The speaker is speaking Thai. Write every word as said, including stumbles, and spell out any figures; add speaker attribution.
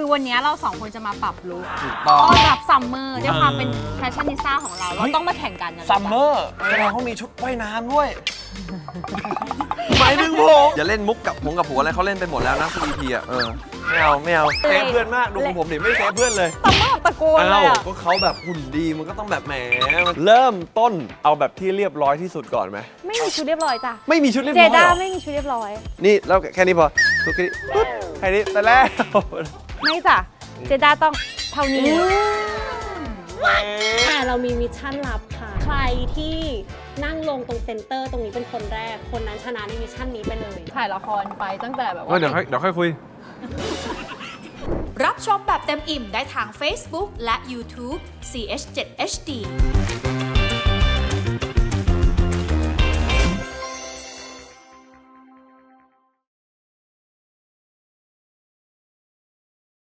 Speaker 1: คือวันนี้เราสองคนจะมาปรับลุค
Speaker 2: ถูกต้อง
Speaker 1: ต้อนรับซัมเมอร์ด้วยความเป็นแฟชั่นนิสต้าของเราเราต้องมาแข่งกันนะ
Speaker 2: ซัมเมอร์แสดงเขามีชุดว่ายน้ำด้วยหมายถึงผมอย่าเล่นมุกกับผมกับผัวอะไรเขาเล่นไปหมดแล้วนะทุก อี พี อ่ะเออไม่เอาไม่เอาเซฟเพื่อนมากดูของผมดิไม่เซฟเพื่อนเลย
Speaker 1: ซัมเมอร์ตะโกนเล
Speaker 2: อ้าวย
Speaker 1: อะ
Speaker 2: ก็เขาแบบหุ่นดีมันก็ต้องแบบแหมเริ่มต้นเอาแบบที่เรียบร้อยที่สุดก่อนไหม
Speaker 1: ไม่มีชุดเรียบร้อยจ้ะ
Speaker 2: ไม่มีชุดเรียบ
Speaker 1: เจ
Speaker 2: ร้อย
Speaker 1: ด้า
Speaker 2: เหรอ
Speaker 1: ไม่มีชุดเรียบร้อย
Speaker 2: นี่แล้วแค่นี้พอทุกทีปุ๊บแค่นี้แต่แรก
Speaker 1: ไม่จ้ะเจด้าต้องเท่านี้
Speaker 3: แต่เรามีมิชชั่นลับค่ะ ใครที่นั่งลงตรงเซ็นเตอร์ตรงนี้เป็นคนแรก คนนั้นชนะในมิชชั่นนี้ไปเลย
Speaker 1: ถ่ายละครไปตั้งแต่แบบ
Speaker 2: เออ
Speaker 1: ว่า
Speaker 2: เดี๋ยวค่อยเดี๋ยวค่อยคุย
Speaker 4: รับชมแบบเต็มอิ่มได้ทาง Facebook และ YouTube ซี เอช เซเว่น เอช ดี